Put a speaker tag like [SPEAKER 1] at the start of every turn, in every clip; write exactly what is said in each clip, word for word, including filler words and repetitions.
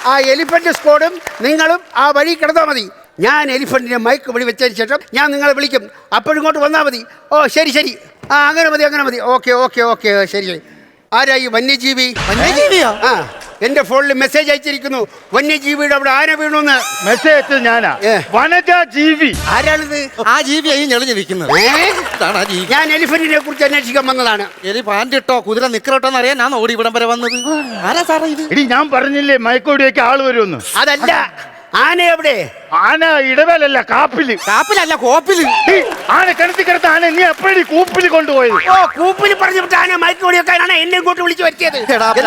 [SPEAKER 1] ആ എലിഫന്റ് സ്ക്വാഡും നിങ്ങളും ആ വഴി കിടന്നാൽ മതി. ഞാൻ എലിഫന്റിനെ മയക്ക് വഴി വെച്ചതിന് ശേഷം ഞാൻ നിങ്ങളെ വിളിക്കും. അപ്പോഴിങ്ങോട്ട് വന്നാൽ മതി. ഓ ശരി ശരി. ആ അങ്ങനെ മതി അങ്ങനെ മതി. ഓക്കെ ഓക്കെ ഓക്കെ ശരി ശരി. ആരാ ഈ വന്യജീവി?
[SPEAKER 2] വന്യജീവിയോ?
[SPEAKER 1] ആ എന്റെ ഫോണിൽ മെസ്സേജ് അയച്ചിരിക്കുന്നു, വന്യജീവിയുടെ അവിടെ ആന വീണുന്ന്.
[SPEAKER 3] മെസ്സേജ് ഞാനാ. വനജ ജീവി.
[SPEAKER 1] ആരാണിത്?
[SPEAKER 2] ആ ജീവി ഈ ഞെളിഞ്ഞിരിക്കുന്നത്.
[SPEAKER 1] ഞാൻ എലിഫന്റിനെ കുറിച്ച് അന്വേഷിക്കാൻ വന്നതാണ്.
[SPEAKER 2] എലി പാൻറ്റിട്ടോ കുതിര നിക്കറോട്ടോന്ന് അറിയാൻ ഞാൻ ഓടി ഇവിടം വരെ വന്നത്. ആരാ സാറേ ഇത്?
[SPEAKER 3] ഇടി ഞാൻ പറഞ്ഞില്ലേ മയക്കോടിയൊക്കെ ആള് വരുമെന്ന്.
[SPEAKER 1] അതല്ല, ആന എവിടെ?
[SPEAKER 3] ആന ഇടവേലല്ല, കാപ്പില്.
[SPEAKER 2] കാപ്പിലല്ല, കോപ്പില്.
[SPEAKER 3] ആന കിണത്തി കിടത്ത ആന നീ എപ്പോഴും കൂപ്പില് കൊണ്ടുപോയത്?
[SPEAKER 1] ഓ കൂപ്പില് പറഞ്ഞിട്ട് ആന മയക്ക് വെടിവെക്കാനാണ് എന്നെ ഇങ്ങോട്ട് വിളിച്ചു വരുത്തിയത്.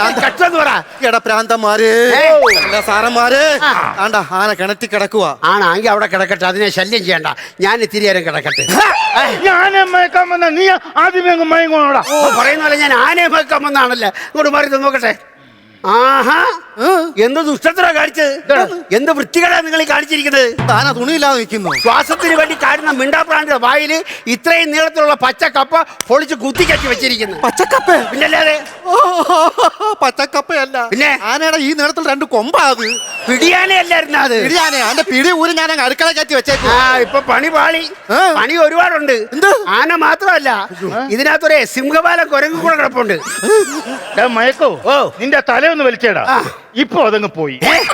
[SPEAKER 2] എടാ പ്രാന്തന്മാര്, സാറന്മാര്, ആണ്ടാ ആന കിണറ്റി കിടക്കുക.
[SPEAKER 1] ആണെങ്കിൽ അവിടെ കിടക്കട്ടെ, അതിനെ ശല്യം ചെയ്യണ്ട. ഞാൻ ഇത്തിരി നേരം കിടക്കട്ടെ.
[SPEAKER 3] ഞാൻ മയക്കാൻ വന്ന നീ ആദ്യമേ അങ്ങ് മയങ്ങോടാ.
[SPEAKER 1] ഓ പറയുന്ന പോലെ ഞാൻ ആനയെ മയക്കാൻ വന്നാണല്ലേ. ഇങ്ങോട്ട് മാറി നോക്കട്ടെ. ആഹാ, എന്ത് ദുഷ്ടത്തിനാ കാണിച്ചത്, എന്ത് വൃത്തികളാ നിങ്ങൾ കാണിച്ചിരിക്കുന്നത്.
[SPEAKER 2] താന തുണിയില്ലാതെ നിൽക്കുന്നു.
[SPEAKER 1] ശ്വാസത്തിന് വേണ്ടി കാണുന്ന മിണ്ടാപ്രാണിയുടെ വായില് ഇത്രയും നീളത്തിലുള്ള പച്ചക്കപ്പ പൊളിച്ച് കുത്തിക്കറ്റി വെച്ചിരിക്കുന്നു.
[SPEAKER 2] പച്ചക്കപ്പ?
[SPEAKER 1] പിന്നല്ലാതെ.
[SPEAKER 2] പച്ചക്കപ്പയല്ല,
[SPEAKER 1] പിന്നെ
[SPEAKER 2] ആനയുടെ ഈ നീളത്തിൽ രണ്ട് കൊമ്പാത്.
[SPEAKER 1] പിടിയാനയല്ലായിരുന്നു അത്.
[SPEAKER 2] പിടിയാനെ. അതിന്റെ പിടി ഊരി ഞാൻ അടുക്കള കയറ്റി വെച്ചേക്കും.
[SPEAKER 1] ആ ഇപ്പൊ പണി പാളി. പണി ഒരുപാടുണ്ട്. ആന മാത്രമല്ല, ഇതിനകത്തൊരു സിംഹപാലം കുരങ്ങ് കൂടെ കിടപ്പുണ്ട്.
[SPEAKER 3] മയക്കോ,
[SPEAKER 1] ഓ
[SPEAKER 3] നിന്റെ തല ഒന്ന് വലിച്ചേടാ. ഇപ്പൊ അതങ്ങ് പോയി.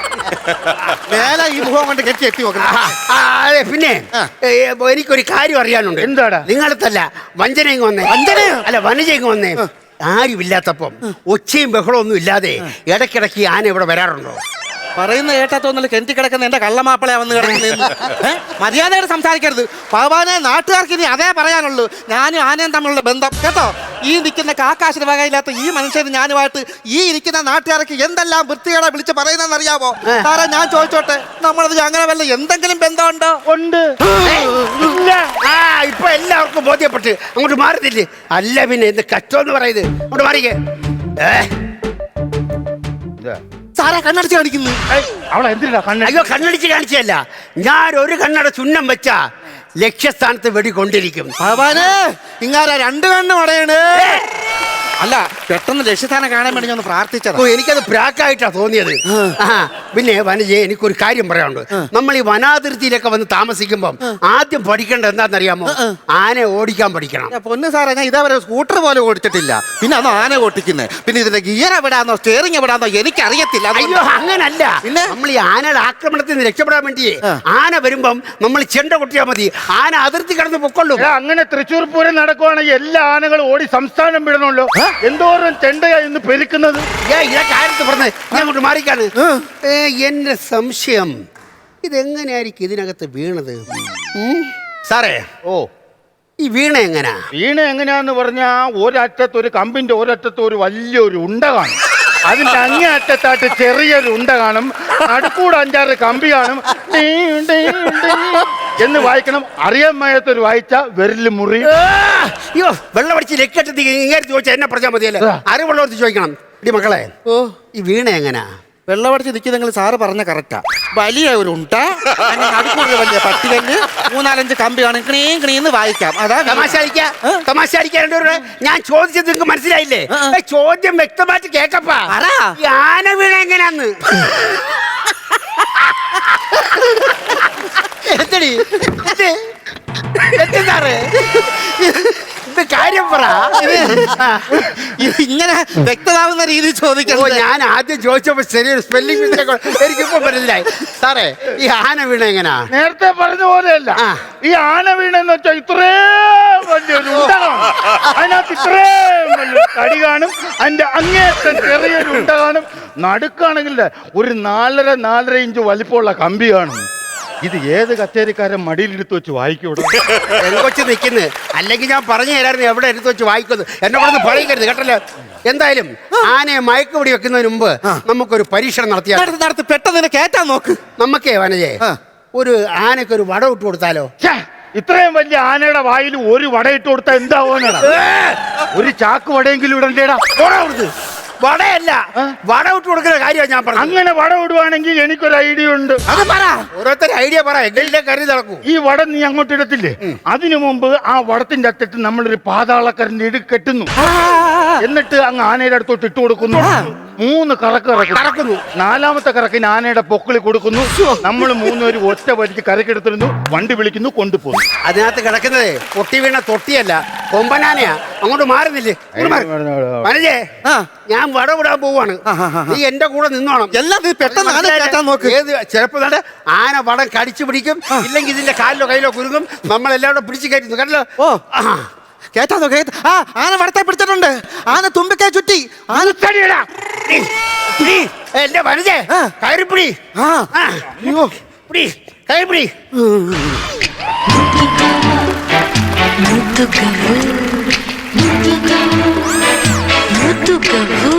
[SPEAKER 2] മേലെ ഈ മുഖം കൊണ്ട് കെട്ടി എത്തി നോക്കണം.
[SPEAKER 1] അതെ, പിന്നെ എനിക്കൊരു കാര്യം അറിയാനുണ്ട്.
[SPEAKER 3] എന്താടാ?
[SPEAKER 1] നിങ്ങളത്തല്ല, വഞ്ചനയും വന്നേ.
[SPEAKER 2] വഞ്ചന
[SPEAKER 1] അല്ല, വനജയും വന്നേ. ആരുമില്ലാത്തപ്പം ഒച്ചയും ബഹളവും ഒന്നും ഇല്ലാതെ ഇടയ്ക്കിടയ്ക്ക് ആന ഇവിടെ വരാറുണ്ടോ?
[SPEAKER 2] പറയുന്ന കേട്ടാത്തോന്നല്ല കെട്ടി കിടക്കുന്ന എന്റെ കള്ളമാപ്പിളയാ വന്ന് കിടക്കുന്ന. മര്യാദയായിട്ട് സംസാരിക്കരുത്. ഭഗവാനെ, നാട്ടുകാർക്ക് ഇനി അതേ പറയാനുള്ളൂ. ഞാനും ആനയും തമ്മിലുള്ള ബന്ധം കേട്ടോ. ഈ നിൽക്കുന്ന കാക്കാശിന് വകയില്ലാത്ത ഈ മനുഷ്യന് ഞാനുമായിട്ട് ഈ ഇരിക്കുന്ന നാട്ടുകാർക്ക് എന്തെല്ലാം വൃത്തികേടാ വിളിച്ച് പറയുന്നതെന്ന് അറിയാമോ? സാറേ ഞാൻ ചോദിച്ചോട്ടെ, നമ്മളത് അങ്ങനെ വല്ല എന്തെങ്കിലും ബന്ധമുണ്ടോ?
[SPEAKER 3] ഉണ്ട്.
[SPEAKER 1] ആ ഇപ്പൊ എല്ലാവർക്കും ബോധ്യപ്പെട്ട് അങ്ങോട്ട് മാറുന്നില്ലേ? അല്ല പിന്നെ എന്ത് കഷ്ടമെന്ന് പറയുന്നത്. അങ്ങോട്ട് മാറിക്കേ.
[SPEAKER 2] സാറാ കണ്ണടച്ച് കാണിക്കുന്നു.
[SPEAKER 3] അവളെ എന്തിനാ കണ്ണ?
[SPEAKER 1] അയ്യോ, കണ്ണടിച്ച് കാണിച്ചല്ല. ഞാൻ ഒരു കണ്ണട ചുണ്ണം വെച്ചാ ലക്ഷ്യസ്ഥാനത്ത് വെടികൊണ്ടിരിക്കും.
[SPEAKER 2] ഭഗവാനെ, ഇങ്ങാരാ രണ്ട് കണ്ണും അടയണ്. അല്ല, പെട്ടെന്ന് ലക്ഷ്യസ്ഥാനം കാണാൻ വേണ്ടി ഞാൻ പ്രാർത്ഥിച്ചത്.
[SPEAKER 1] ഓ എനിക്കത് പ്രാക്കായിട്ടാ തോന്നിയത്. ആ പിന്നെ വനജയെ, എനിക്കൊരു കാര്യം പറയാനുണ്ട്. നമ്മൾ ഈ വനാതിർത്തിയിലൊക്കെ വന്ന് താമസിക്കുമ്പം ആദ്യം പഠിക്കേണ്ടത് എന്താണെന്നറിയാമോ? ആന ഓടിക്കാൻ പഠിക്കണം.
[SPEAKER 2] പൊന്ന് സാറേ, ഞാൻ ഇതേവരെ സ്കൂട്ടർ പോലെ ഓടിച്ചിട്ടില്ല. പിന്നെ അന്ന് ആന ഓട്ടിക്കുന്നത്. പിന്നെ ഇതിന്റെ ഗിയർ എവിടാന്നോ സ്റ്റിയറിംഗ് എവിടാന്നോ എനിക്കറിയത്തില്ല.
[SPEAKER 1] അയ്യോ അങ്ങനല്ല.
[SPEAKER 2] പിന്നെ
[SPEAKER 1] നമ്മൾ ഈ ആനയുടെ ആക്രമണത്തിൽ നിന്ന് രക്ഷപ്പെടാൻ വേണ്ടി ആന വരുമ്പം നമ്മൾ ചെണ്ട കൊട്ടിയാൽ മതി. ആന അതിർത്തി കടന്ന് പൊക്കൊള്ളൂ.
[SPEAKER 3] അങ്ങനെ തൃശ്ശൂർ പൂരം നടക്കുവാണെങ്കിൽ എല്ലാ ആനകളും ഓടി സംസ്ഥാനം വിടണമല്ലോ. എന്തോരം ചെണ്ടയാ ഇന്ന് പെരുക്കുന്നത്.
[SPEAKER 1] ഇതൊക്കെ ആരത്ത് പറഞ്ഞത്? ഞാൻ അങ്ങോട്ട് മാറിക്കാണ്. എന്റെ സംശയം, ഇതെങ്ങനെയായിരിക്കും ഇതിനകത്ത് വീണത്? സാറേ,
[SPEAKER 3] ഓ
[SPEAKER 1] ഈ വീണ എങ്ങനാ?
[SPEAKER 3] വീണ എങ്ങനെയാന്ന് പറഞ്ഞാ ഒരറ്റത്ത് ഒരു കമ്പിന്റെ ഒരറ്റത്ത് ഒരു വലിയൊരു ഉണ്ട കാണും. അതിന്റെ അങ്ങേ അറ്റത്തായിട്ട് ചെറിയൊരു ഉണ്ട കാണും. അടുക്കൂടെ അഞ്ചാറ് കമ്പി കാണും. എന്ന് വായിക്കണം. അറിയാൻ മേത്തൊരു വായിച്ച വിരല് മുറി.
[SPEAKER 1] അയ്യോ, വെള്ളം അടിച്ച് ലക്കെട്ടി ഇങ്ങനെ ചോദിച്ചാൽ എന്നെ പറഞ്ഞാൽ മതിയല്ലേ? അറിവുള്ളവർ ചോദിക്കണം. ഇടി മക്കളെ, ഓ ഈ വീണ എങ്ങനാ?
[SPEAKER 2] വെള്ളമടിച്ച് നിൽക്കുന്നെങ്കിൽ സാറ് പറഞ്ഞ കറക്റ്റാ. വലിയ ഒരു ഉണ്ട, അടുക്കൂടെ വലിയ പട്ടികല്ല്, മൂന്നാലഞ്ച് കമ്പി കാണും. ക്ണീം ക്ണീന്ന് വായിക്കാം. അതാ
[SPEAKER 1] തമാശ അടിക്കാ. തമാശ അടിക്കാൻ ഞാൻ ചോദിച്ചത് നിങ്ങൾക്ക് മനസ്സിലായില്ലേ? ചോദ്യം വ്യക്തമായിട്ട് കേക്കപ്പാ. ഈ ആന വീണ എങ്ങനാന്ന് എന്തടി സാറേ? ഇത് കാര്യം പറ.
[SPEAKER 2] ഇങ്ങനെ വ്യക്തമാവുന്ന രീതി ചോദിക്കണോ?
[SPEAKER 1] ഞാൻ ആദ്യം ചോദിച്ചപ്പോ ശരിയൊരു സ്പെല്ലിംഗ് മിസ്റ്റേക്ക് എനിക്കിപ്പോ മനസ്സിലായി. സാറേ, ഈ ആന വീണ എങ്ങനാ?
[SPEAKER 3] നേരത്തെ പറഞ്ഞ പോലെയല്ല. ഈ ആന വീണെന്ന് വെച്ചാൽ ഇത്രയും വലിയൊരു ഉണ്ട കാണും. അതിനകത്ത് ഇത്രയും വലിയ കടി കാണും. അതിന്റെ അങ്ങേറ്റം ചെറിയൊരു ഉണ്ട കാണും. നടുക്കാണെങ്കിൽ ഒരു നാലര നാലര ഇഞ്ച് വലിപ്പമുള്ള കമ്പി കാണും. ഇത് ഏത് കച്ചേരിക്കാരൻ മടിയിലെടുത്ത് വെച്ച് വായിക്കൂടെ?
[SPEAKER 1] കൊച്ചു നിൽക്കുന്നത്. അല്ലെങ്കിൽ ഞാൻ പറഞ്ഞു തരായിരുന്നു എവിടെ എടുത്ത് വെച്ച് വായിക്കുന്നത്. എന്നെ കൂടെ പറയിക്കരുത് കേട്ടല്ലോ. എന്തായാലും ആനയെ മയക്കുപിടി വെക്കുന്നതിന് മുമ്പ് നമുക്കൊരു പരീക്ഷണം നടത്തിയാൽ
[SPEAKER 2] നടത്തി പെട്ടെന്ന് കേറ്റാൻ നോക്ക്.
[SPEAKER 1] നമുക്കേ വനജേ, ഒരു ആനയ്ക്ക് ഒരു വട ഇട്ട് കൊടുത്താലോ?
[SPEAKER 3] ഇത്രയും വലിയ ആനയുടെ വായിൽ ഒരു വട ഇട്ട് കൊടുത്താൽ എന്താവോന്നാ? ഒരു ചാക്ക് വടയെങ്കിലും ഇടണ്ടേടാ.
[SPEAKER 1] വടയല്ല, വട ഇട്ട് കൊടുക്കുന്ന കാര്യമാണ് ഞാൻ പറഞ്ഞത്.
[SPEAKER 3] അങ്ങനെ വട ഇടുവാണെങ്കിൽ എനിക്കൊരു ഐഡിയ ഉണ്ട്.
[SPEAKER 1] അത് പറ, ഓരോരുത്തർ ഐഡിയ പറ. എന്റെ കരുതി നടക്കൂ.
[SPEAKER 3] ഈ വട നീ അങ്ങോട്ട് ഇടത്തില്ലേ? അതിനു മുമ്പ് ആ വടത്തിന്റെ അറ്റത്ത് നമ്മളൊരു പാതാളക്കരന്റെ ഇട് കെട്ടുന്നു. എന്നിട്ട് അങ്ങ് ആനയുടെ അടുത്തോട്ട് ഇട്ട് കൊടുക്കുന്നു. മൂന്ന് കറക്ക് കറക്കുന്നു. നാലാമത്തെ കറക്കിന് ആനയുടെ പൊക്കിളി കൊടുക്കുന്നു. നമ്മൾ മൂന്നുപേരും ഒറ്റ വലിക്ക് കരക്കെടുത്തിരുന്നു. വണ്ടി വിളിക്കുന്നു, കൊണ്ടുപോകുന്നു.
[SPEAKER 1] അതിനകത്ത് കിടക്കുന്നത് പൊട്ടി വീണ തൊട്ടിയല്ല, കൊമ്പനാനയാ. അങ്ങോട്ട് മാറുന്നില്ലേ? മനജേ, ഞാൻ വടവിടാൻ പോവാണ്. നീ എന്റെ കൂടെ നിന്നോണം.
[SPEAKER 2] എല്ലാം നീ പെട്ടെന്ന് ആന കയറ്റാൻ നോക്ക്.
[SPEAKER 1] ഏത് ചിലപ്പോ ദാണ്ടെ ആന വടം കടിച്ചു പിടിക്കും, ഇല്ലെങ്കിൽ ഇതിന്റെ കാലിലോ കയ്യിലോ കുരുങ്ങും. നമ്മളെല്ലാവരും പിടിച്ചു കയറ്റുന്നു. കണ്ടല്ലോ?
[SPEAKER 2] ഓ കേറ്റാ നോക്ക്. ആ ആന വടത്തെ പിടിച്ചിട്ടുണ്ട്. ആന തുമ്പിക്കൈ ചുറ്റി. ആന
[SPEAKER 1] തടിയടാ. നീ, നീ, എന്റെ വനജേ, കയറിപ്പിടി.
[SPEAKER 2] ആ
[SPEAKER 1] അയ്യോ, പിടി, കയറിപ്പിടി.
[SPEAKER 4] മുത്തുകവു മുത്തുകവു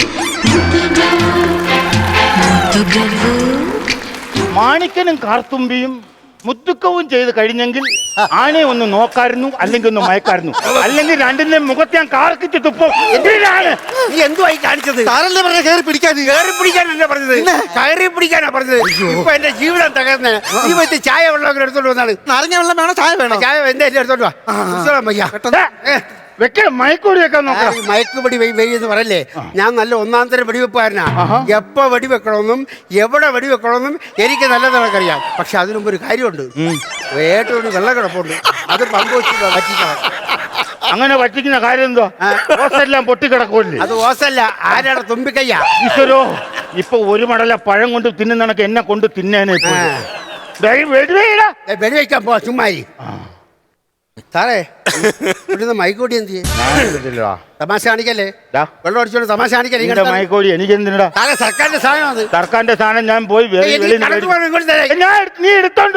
[SPEAKER 4] മുത്തുകവു
[SPEAKER 3] മാണിക്കനും കാർത്തുമ്പിയും മുത്തുക്കവും ചെയ്ത് കഴിഞ്ഞെങ്കിൽ ആനയെ ഒന്ന് നോക്കായിരുന്നു, അല്ലെങ്കിൽ ഒന്ന് മയക്കായിരുന്നു. അല്ലെങ്കിൽ രണ്ടിന്റെ മുഖത്ത് ഞാൻ കാർക്കിച്ച് തുപ്പും. എന്തിനാണ്
[SPEAKER 1] നീ എന്തുവായി കാണിച്ചത്?
[SPEAKER 2] താരല്ലേ പറഞ്ഞ കയറി പിടിക്കാൻ.
[SPEAKER 1] കയറി പിടിക്കാനല്ല പറഞ്ഞത്, കയറി പിടിക്കാനാ പറഞ്ഞത്. ഇപ്പൊ എന്റെ ജീവിതം തകർന്നേ. നീ പറ്റി ചായ വെള്ളം എടുത്തോണ്ട് വന്നാണ്.
[SPEAKER 2] നാരങ്ങ വെള്ളം വേണോ ചായ വേണോ?
[SPEAKER 1] ചായ എന്റെ എല്ലാം എടുത്തോണ്ട് വാ. പുസ്തകം വയ്യ.
[SPEAKER 3] വെക്ക മയക്കൂടി വെക്കാൻ നോക്കാം.
[SPEAKER 1] മയക്കുപടി വെയ്യെന്ന് പറയല്ലേ. ഞാൻ നല്ല ഒന്നാം തരം വെടിവെപ്പാരനാ. എപ്പോ വെടിവെക്കണമെന്നും എവിടെ വെടിവെക്കണമെന്നും എനിക്ക് നല്ലതാണ് അറിയാം. പക്ഷെ അതിനു മുമ്പ് ഒരു കാര്യമുണ്ട്. ഏറ്റവും വെള്ളം കിടപ്പുണ്ട്, അത് പമ്പ് വെച്ചിട്ട് വറ്റിക്കണം.
[SPEAKER 3] അങ്ങനെ വറ്റിക്കുന്ന കാര്യം എന്തോ? ഓസെല്ലാം പൊട്ടിക്കിടക്കൂല്ലേ?
[SPEAKER 1] അത് ഓസല്ല, ആരാടെ തുമ്പിക്കയ്യാ.
[SPEAKER 3] ഈശ്വരോ, ഇപ്പൊ ഒരു മടല പഴം കൊണ്ട് തിന്നുന്നണക്ക് എന്നെ കൊണ്ട് തിന്നേനെ.
[SPEAKER 1] വെടിവെക്കാൻ പോ ചുമ്മാരി. സാറേ, ഇവിടുന്ന് മൈക്കോടി എന്ത് ചെയ്യും? തമാശ കാണിക്കല്ലേ? വെള്ളം അടിച്ചോണ്ട് തമാശ കാണിക്കല്ലേ?
[SPEAKER 3] മൈക്കോടി എനിക്ക് എന്തിനടാ?
[SPEAKER 1] സാറേ, സർക്കാരിന്റെ സാധനം അത്.
[SPEAKER 3] സർക്കാരിന്റെ സാധനം ഞാൻ പോയി
[SPEAKER 1] നീ
[SPEAKER 3] എടുത്തോണ്ട്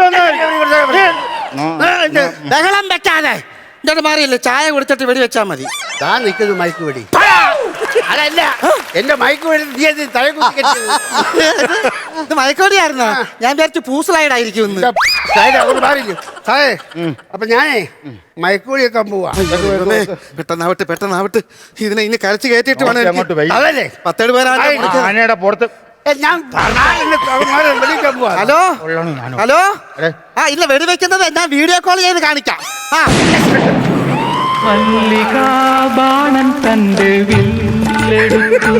[SPEAKER 1] ബഹളം വെക്കാതെ
[SPEAKER 2] ഇങ്ങോട്ട് മാറിയില്ലേ? ചായ കുടിച്ചിട്ട് വെടി വെച്ചാ മതി.
[SPEAKER 1] താ നിൽക്കുന്നു മൈക്ക് വെടി. അതല്ല, എന്റെ മൈക്ക് വെടി നീ എന്ത് തല കുത്തി
[SPEAKER 2] ഇത് മയക്കോടിയായിരുന്ന? ഞാൻ വിചാരിച്ചു പൂസലായിട്ടായിരിക്കും ഇന്ന്.
[SPEAKER 1] മാറിയില്ലേ സാറേ? അപ്പൊ ഞാനേ മയക്കുവെടി വെക്കാൻ പോവാ.
[SPEAKER 2] പെട്ടെന്നാവട്ടെ പെട്ടെന്നാവട്ടെ. ഇതിനെ ഇനി കരച്ച് കയറ്റിട്ട് വേണം.
[SPEAKER 1] അതല്ലേ
[SPEAKER 2] പത്തേഴ് പേരാണ്
[SPEAKER 3] ആനയുടെ പുറത്ത്.
[SPEAKER 1] ഞാൻ വെളിക്കാൻ പോവാ.
[SPEAKER 2] Hello hello. ആ ഇല്ല, വെടിവെക്കുന്നത് ഞാൻ വീഡിയോ കോൾ ചെയ്ത് കാണിക്കാം. ആ
[SPEAKER 5] മല്ലികാബാണൻ തന്റെ വില്ലെടുത്തു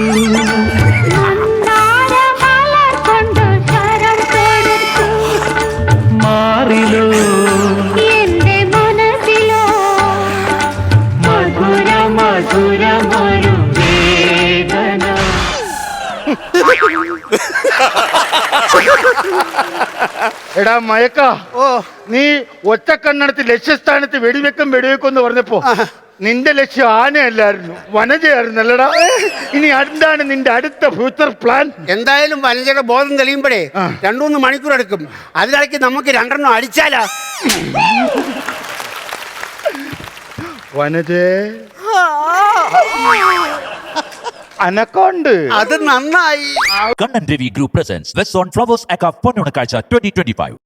[SPEAKER 5] മാറിലോ
[SPEAKER 4] എന്റെ മനസ്സിലോ
[SPEAKER 5] മധുര മധുരമൊരു വേദന.
[SPEAKER 3] എടാ മയക്ക,
[SPEAKER 1] ഓ
[SPEAKER 3] നീ ഒറ്റക്കണ്ണടത്ത് ലക്ഷ്യസ്ഥാനത്ത് വെടിവെക്കും വെടിവെക്കും എന്ന് പറഞ്ഞപ്പോ നിന്റെ ലക്ഷ്യം ആനയല്ലായിരുന്നു, വനജയായിരുന്നല്ലടാ. ഇനി എന്താണ് നിന്റെ അടുത്ത ഫ്യൂച്ചർ പ്ലാൻ?
[SPEAKER 1] എന്തായാലും വനജയുടെ ബോധം തെളിയുമ്പോഴേ രണ്ടുമൂന്ന് മണിക്കൂർ എടുക്കും. അതിനിടയ്ക്ക് നമുക്ക് രണ്ടെണ്ണം അടിച്ചാലാ.
[SPEAKER 3] വനജേ, അനക്കോണ്ട്
[SPEAKER 1] അത് നന്നായി.
[SPEAKER 6] Kannan Devi Group presents West on Flowers Aka Ponnonakazha twenty twenty-five.